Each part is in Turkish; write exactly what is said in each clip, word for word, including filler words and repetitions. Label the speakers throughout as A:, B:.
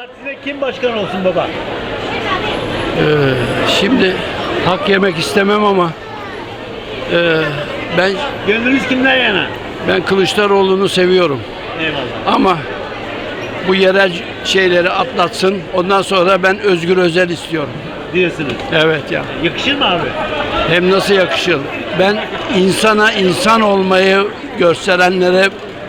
A: Partisi'ne kim başkan olsun baba?
B: Ee, şimdi hak yemek istemem ama e, ben
A: Gönlünüz kimden yana?
B: ben Kılıçdaroğlu'nu seviyorum.
A: Eyvallah.
B: Ama bu yerel şeyleri atlatsın. Ondan sonra ben Özgür Özel istiyorum.
A: Diyorsunuz.
B: Evet ya.
A: Yakışır mı abi?
B: Hem nasıl yakışır? Ben insana insan olmayı gösterenlere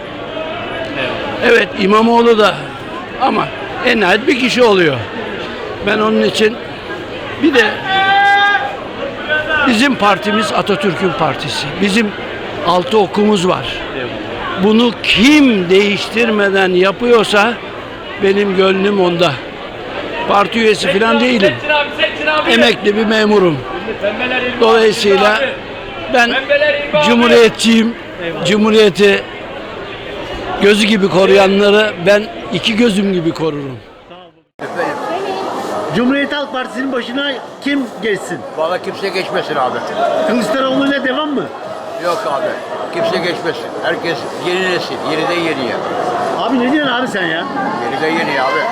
B: evet İmamoğlu da ama en nihayet bir kişi oluyor. Ben onun için bir de bizim partimiz Atatürk'ün partisi. Bizim altı okumuz var. Bunu kim değiştirmeden yapıyorsa benim gönlüm onda. Parti üyesi falan değilim. Emekli bir memurum. Dolayısıyla ben cumhuriyetçiyim. Cumhuriyeti gözü gibi koruyanları ben iki gözüm gibi korurum.
A: Cumhuriyet Halk Partisi'nin başına kim geçsin?
C: Vallahi kimse geçmesin abi.
A: Kılıçdaroğlu'yla devam mı?
C: Yok abi. Kimse geçmesin. Herkes yeni nesil. Yeniden yeniye.
A: Abi ne diyorsun abi sen ya?
C: Yeniden yeniye abi.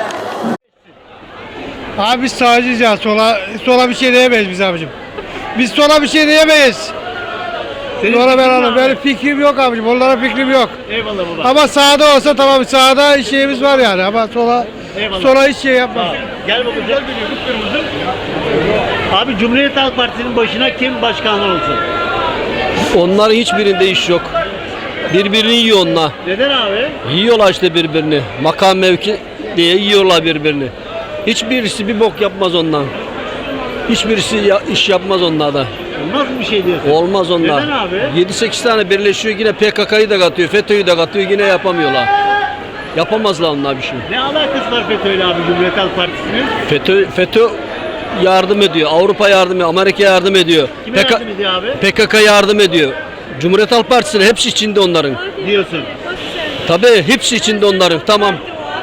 D: Abi biz sağcıyız ya. Sola, sola bir şey diyemeyiz biz abicim. Biz sola bir şey diyemeyiz.
A: Senin
D: Sola
A: fikrin
D: ben
A: ne
D: anladım.
A: abi?
D: Benim fikrim yok abicim. Onlara fikrim yok.
A: Eyvallah baba.
D: Ama sağda olsa tamam. Sağda şeyimiz var yani. Ama sola
A: Eyvallah.
D: sola hiç şey yapmaz.
A: Tamam. Gel baba. Gel kırmızı. Abi Cumhuriyet Halk Partisi'nin başına kim başkan olsun?
E: Onların hiçbirinde iş yok. Birbirini yiyor onlar.
A: Neden abi?
E: Yiyorlar işte birbirini. Makam mevki diye yiyorlar birbirini. Hiçbirisi bir bok yapmaz ondan. Hiçbirisi ya, iş yapmaz onlardan.
A: Olmaz mı bir şey diyorsun?
E: Olmaz onlar.
A: Neden abi?
E: yedi sekiz tane birleşiyor yine P K K'yı da katıyor, FETÖ'yü de katıyor yine yapamıyorlar. Yapamazlar onlar bir şey.
A: Ne alakası var FETÖ'yle abi Cumhuriyet Halk Partisi'nin?
E: FETÖ, FETÖ yardım ediyor. Avrupa yardım ediyor. Amerika yardım ediyor.
A: Kime
E: P K
A: yardım ediyor abi?
E: P K K yardım ediyor. Cumhuriyet Halk Partisi'nin hepsi içinde onların.
A: Diyorsun.
E: Tabii hepsi içinde onların. Tamam.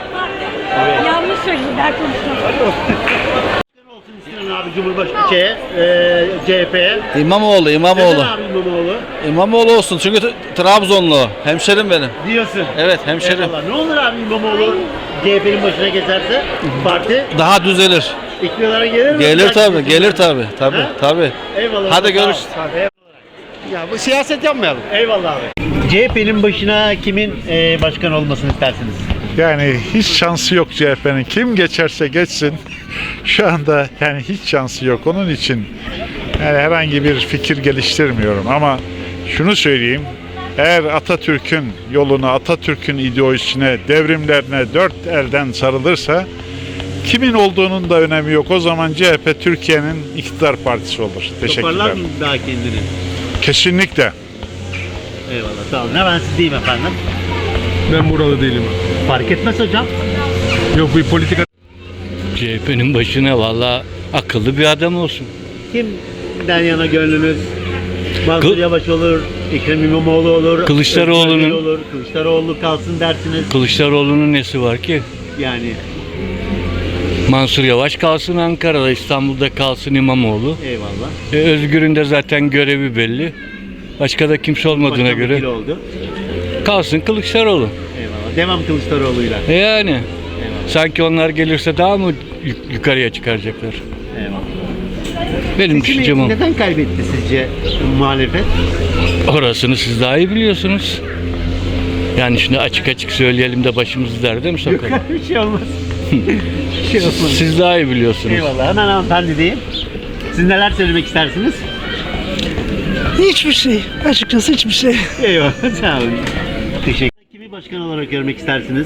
F: Yanlış söylediler konuşma.
A: Kim olsun istiyorsun abi Cumhurbaşkanı şeye, e, C H P'ye?
G: İmamoğlu, İmamoğlu.
A: Neden abi İmamoğlu?
G: İmamoğlu olsun çünkü T- Trabzonlu. Hemşerim benim.
A: Diyorsun.
G: Evet, hemşerim.
A: Eyvallah. Ne olur abi İmamoğlu C H P'nin başına geçerse parti
G: Daha düzelir.
A: iktidara gelir mi?
G: Gelir
A: Belki
G: tabii,
A: seçimler.
G: gelir tabii. Tabii,
A: Ha?
G: tabii.
A: Eyvallah.
G: Hadi
A: Sağ ol.
G: görüşürüz.
A: Eyvallah.
D: Ya bu siyaset yapmayalım.
A: Eyvallah abi. C H P'nin başına kimin e, başkan olmasını istersiniz?
H: Yani hiç şansı yok C H P'nin. Kim geçerse geçsin. Şu anda yani hiç şansı yok. Onun için yani herhangi bir fikir geliştirmiyorum ama şunu söyleyeyim. Eğer Atatürk'ün yoluna, Atatürk'ün ideolojisine, devrimlerine dört elden sarılırsa kimin olduğunun da önemi yok. O zaman C H P Türkiye'nin iktidar partisi olur.
A: Toparlar
H: Teşekkürler.
A: mı daha kendini?
H: Kesinlikle.
A: Eyvallah sağ olun. Hemen sizdeyim efendim.
I: Ben buralı değilim.
A: Fark etmez hocam.
I: Yok bir politika.
J: C H P'nin başına valla akıllı bir adam olsun.
A: Kimden yana gönlünüz? Mansur
J: Kıl-
A: Yavaş olur, Ekrem İmamoğlu olur,
J: Kılıçdaroğlu'nun-
A: Özgür Özel olur, Kılıçdaroğlu kalsın dersiniz.
J: Kılıçdaroğlu'nun nesi var ki?
A: Yani
J: Mansur Yavaş kalsın Ankara'da, İstanbul'da kalsın İmamoğlu.
A: eyvallah.
J: E, Özgür'ün de zaten görevi belli. Başka da kimse olmadığına
A: Başkan
J: göre
A: vekili oldu.
J: kalsın Kılıçdaroğlu.
A: Eyvallah. Devam Kılıçdaroğlu'yla.
J: E yani
A: Eyvallah.
J: sanki onlar gelirse daha mı yuk- yukarıya çıkaracaklar?
A: Eyvallah.
J: Benim
A: Seçimi
J: düşüncem o.
A: neden kaybetti sizce muhalefet?
J: Orasını siz daha iyi biliyorsunuz. Yani şimdi açık açık söyleyelim de başımızı derde mi sokalım?
A: Bir şey olmaz. Bir şey olmaz.
J: Siz daha iyi biliyorsunuz.
A: Eyvallah. Hemen hanımefendi diyeyim. Siz neler söylemek istersiniz?
D: Hiçbir şey. Açıkçası hiçbir şey.
A: Eyvallah. Sağ olun. Teşekkür. Kimi başkan olarak görmek istersiniz?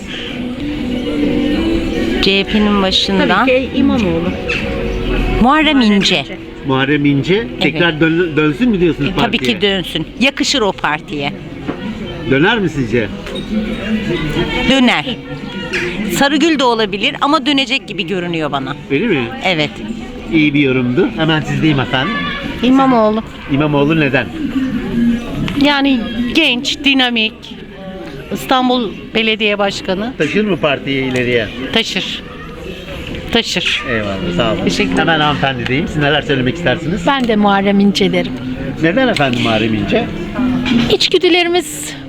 F: C H P'nin başında
K: Tabii ki İmamoğlu.
F: Muharrem İnce.
A: Muharrem İnce tekrar dön- dönsün mü diyorsunuz
F: E, tabii
A: partiye?
F: ki dönsün. Yakışır o partiye.
A: Döner mi sizce?
F: Döner. Sarıgül de olabilir ama dönecek gibi görünüyor bana.
A: Öyle mi?
F: Evet.
A: İyi bir yorumdu. Hemen sizdeyim efendim.
K: İmamoğlu.
A: İmamoğlu neden?
K: Yani genç, dinamik. İstanbul Belediye Başkanı
A: Taşır mı partiyi ileriye?
K: taşır. Taşır.
A: Eyvallah sağ olun.
K: Teşekkür ederim.
A: Hemen hanımefendi diyeyim. Siz neler söylemek istersiniz?
K: Ben de Muharrem İnce derim.
A: Neden efendim Muharrem İnce?
K: İçgüdülerimiz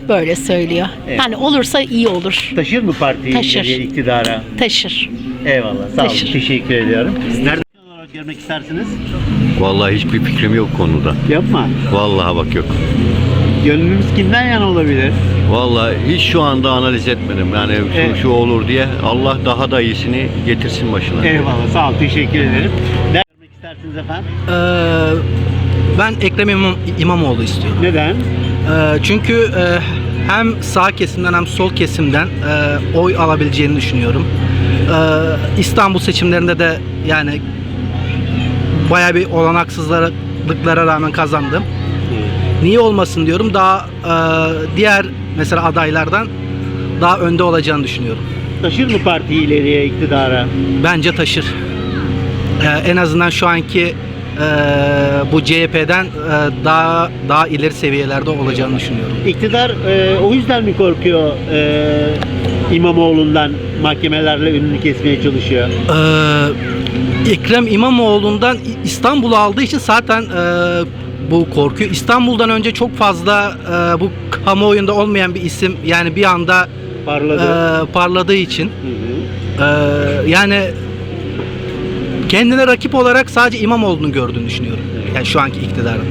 K: böyle söylüyor.
A: Evet.
K: Yani olursa iyi olur.
A: Taşır mı partiyi
K: Taşır.
A: ileriye, iktidara?
K: Taşır.
A: Eyvallah. Sağ olun.
K: Taşır.
A: Teşekkür ediyorum. Nerede olarak görmek istersiniz?
C: Vallahi hiçbir fikrim yok konuda.
A: Yapma.
C: Vallahi bak yok.
A: Gönlünüz kimden yana olabilir?
C: Vallahi hiç şu anda analiz etmedim. Yani şu,
A: Evet.
C: şu olur diye Allah daha da iyisini getirsin başına.
A: Eyvallah. Sağ olun. Teşekkür ederim. Nerede görmek istersiniz efendim?
D: ben Ekrem İmam, İmamoğlu istiyorum.
A: Neden?
D: Ee, çünkü e, hem sağ kesimden hem sol kesimden e, oy alabileceğini düşünüyorum. Ee, İstanbul seçimlerinde de yani bayağı bir olanaksızlıklara rağmen kazandım. Niye olmasın diyorum. Daha e, diğer mesela adaylardan daha önde olacağını düşünüyorum.
A: Taşır mı partiyi ileriye, iktidara?
D: Bence taşır. Ee, en azından şu anki e, bu C H P'den e, daha daha ileri seviyelerde olacağını düşünüyorum.
A: İktidar e, o yüzden mi korkuyor e, İmamoğlu'ndan, mahkemelerle önünü kesmeye çalışıyor?
D: Ee, Ekrem İmamoğlu'ndan İstanbul'u aldığı için zaten e, bu korkuyor. İstanbul'dan önce çok fazla e, bu kamuoyunda olmayan bir isim, yani bir anda
A: Parladı.
D: e, parladığı için
A: Hı hı.
D: e, yani kendine rakip olarak sadece İmamoğlu'nu gördüğünü düşünüyorum. Yani şu anki iktidarın.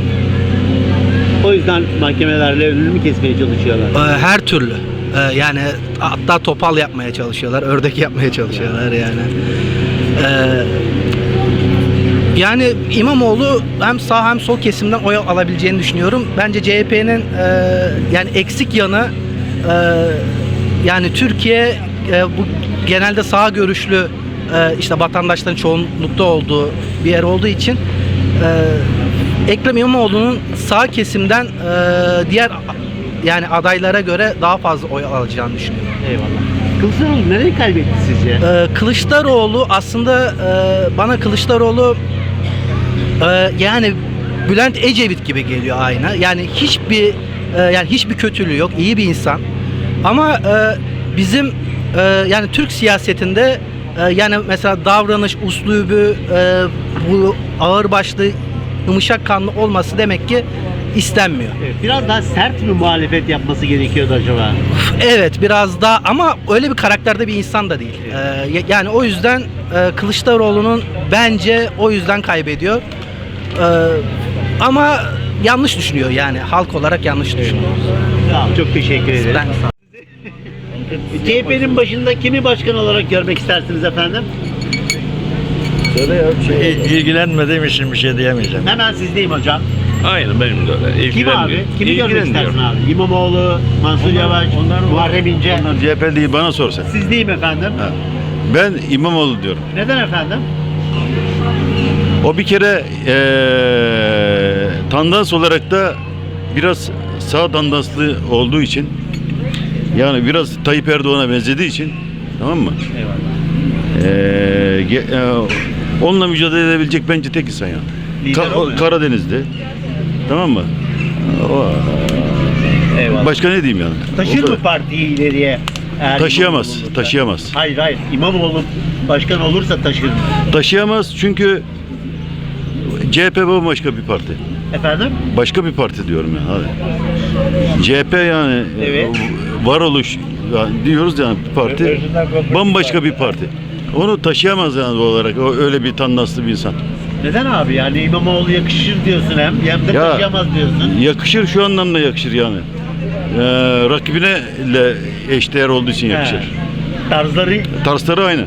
A: O yüzden mahkemelerle önünü mü kesmeye çalışıyorlar?
D: Ee, her türlü. Ee, yani hatta topal yapmaya çalışıyorlar, ördek yapmaya çalışıyorlar yani. Ee, yani İmamoğlu hem sağ hem sol kesimden oy alabileceğini düşünüyorum. Bence C H P'nin e, yani eksik yanı e, yani Türkiye e, bu genelde sağ görüşlü e, işte vatandaşların çoğunlukta olduğu bir yer olduğu için e, Ekrem İmamoğlu'nun sağ kesimden e, diğer yani adaylara göre daha fazla oy alacağını düşünüyorum.
A: Eyvallah. Kılıçdaroğlu nereye kaybetti sizce?
D: Ee, Kılıçdaroğlu aslında e, bana Kılıçdaroğlu e, yani Bülent Ecevit gibi geliyor aynı. Yani hiçbir e, yani hiçbir kötülüğü yok, iyi bir insan. Ama e, bizim e, yani Türk siyasetinde e, yani mesela davranış üslubu e, bu ağırbaşlı, yumuşak kanlı olması demek ki istenmiyor.
A: Evet, biraz daha sert mi muhalefet yapması gerekiyordu acaba?
D: Evet, biraz daha, ama öyle bir karakterde bir insan da değil. Ee, yani o yüzden e, Kılıçdaroğlu'nun bence o yüzden kaybediyor. Ee, ama yanlış düşünüyor, yani halk olarak yanlış düşünüyor.
A: Sağ olun, çok teşekkür ederim.
D: Ben
A: C H P'nin başında kimi başkan olarak görmek istersiniz efendim?
G: İlgilenmediğim için bir şey diyemeyeceğim.
A: Hemen sizdeyim hocam.
G: Aynen benim de öyle.
A: Kim abi? Kimi görmek istersin abi? İmamoğlu, Mansur Yavaş, Muharrem İnce.
G: Onlar C H P değil, bana sorsan.
A: Sizdeyim efendim.
G: Ben İmamoğlu diyorum.
A: Neden efendim?
G: O bir kere ee, tandans olarak da biraz sağ tandanslı olduğu için, yani biraz Tayyip Erdoğan'a benzediği için, tamam mı?
A: Eyvallah.
G: Ee, ge- e, onunla mücadele edebilecek bence tek insan yani.
A: Lider
G: Ka-
A: o mu?
G: Karadeniz'de. Tamam mı? O,
A: Eyvallah.
G: başka ne diyeyim yani?
A: Taşır
G: O
A: mı
G: kadar.
A: partiyi ileriye? Eğer
G: Taşıyamaz,
A: İmamoğlu olursa?
G: taşıyamaz.
A: Hayır hayır. İmamoğlu başkan olursa taşır.
G: Taşıyamaz çünkü C H P bambaşka bir parti.
A: Efendim?
G: Başka bir parti diyorum yani. Hadi. C H P yani
A: Evet.
G: e, varoluş yani diyoruz yani bir parti. Bambaşka bir parti. Onu taşıyamaz yani doğal olarak. O öyle bir tandanslı bir insan.
A: Neden abi? Yani İmamoğlu yakışır diyorsun hem, hem de
G: Ya,
A: taşıyamaz diyorsun.
G: Yakışır, şu anlamda yakışır yani. Ee, rakibine ile eşdeğer olduğu için yakışır.
A: He. Tarzları
G: Tarzları aynı.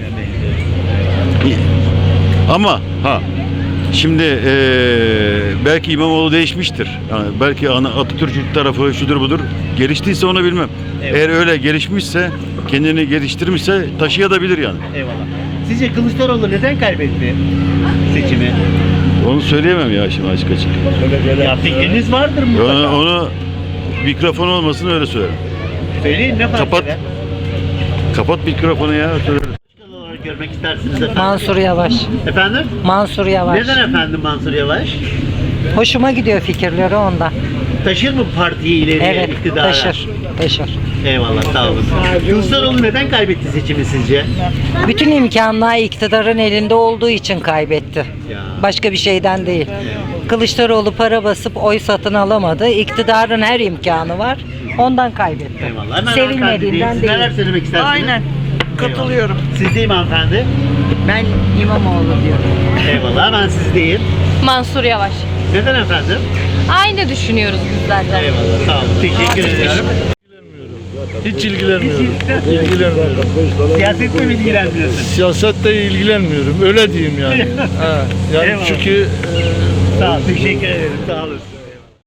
G: Ama ha şimdi eee, belki İmamoğlu değişmiştir. Yani belki ana- Atatürk tarafı şudur budur geliştiyse onu bilmem.
A: Evet.
G: Eğer öyle gelişmişse, kendini geliştirmişse taşıyabilir yani.
A: Eyvallah. Sizce Kılıçdaroğlu neden kaybetti seçimi?
G: Onu söyleyemem ya şimdi açık açık.
A: Ya fikriniz vardır mutlaka.
G: Onu, onu mikrofon olmasın öyle söylerim.
A: Söyleyin ne fark
G: Kapat.
A: eder?
G: Kapat mikrofonu ya söylerim.
A: Başkan olarak görmek istersiniz efendim.
K: Mansur Yavaş.
A: Efendim?
K: Mansur Yavaş.
A: Neden efendim Mansur Yavaş?
K: Hoşuma gidiyor fikirleri ondan.
A: Taşır mı partiyi ileriye, iktidara?
K: Taşır.
A: Eyvallah, sağ olun. Kılıçdaroğlu neden kaybetti seçimi sizce?
K: Bütün imkanlar iktidarın elinde olduğu için kaybetti.
A: Ya.
K: Başka bir şeyden değil. Kılıçdaroğlu para basıp oy satın alamadı. İktidarın her imkanı var. Ondan kaybetti.
A: Eyvallah. Hemen hanımefendi diyeyim.
K: Sevilmediğinden
A: Siz
K: değil.
A: neler söylemek istersiniz?
L: Aynen. Katılıyorum.
A: Eyvallah. Siz değil mi hanımefendi?
L: Ben İmamoğlu diyorum.
A: Eyvallah. Hemen siz değil.
M: Mansur Yavaş.
A: Neden efendim?
M: Aynı düşünüyoruz bizler de.
A: Eyvallah. Sağ olun. Teşekkür ederim.
I: Hiç ilgilenmiyorum.
A: Hiç
I: İlgilenmiyorum.
A: Siyasetle mi ilgilenmiyorsun?
I: Siyasetle ilgilenmiyorum. Öyle diyeyim yani. ha, yani
A: Eyvallah.
I: çünkü
A: Sağ ol. Teşekkür ederim. Sağ olasın.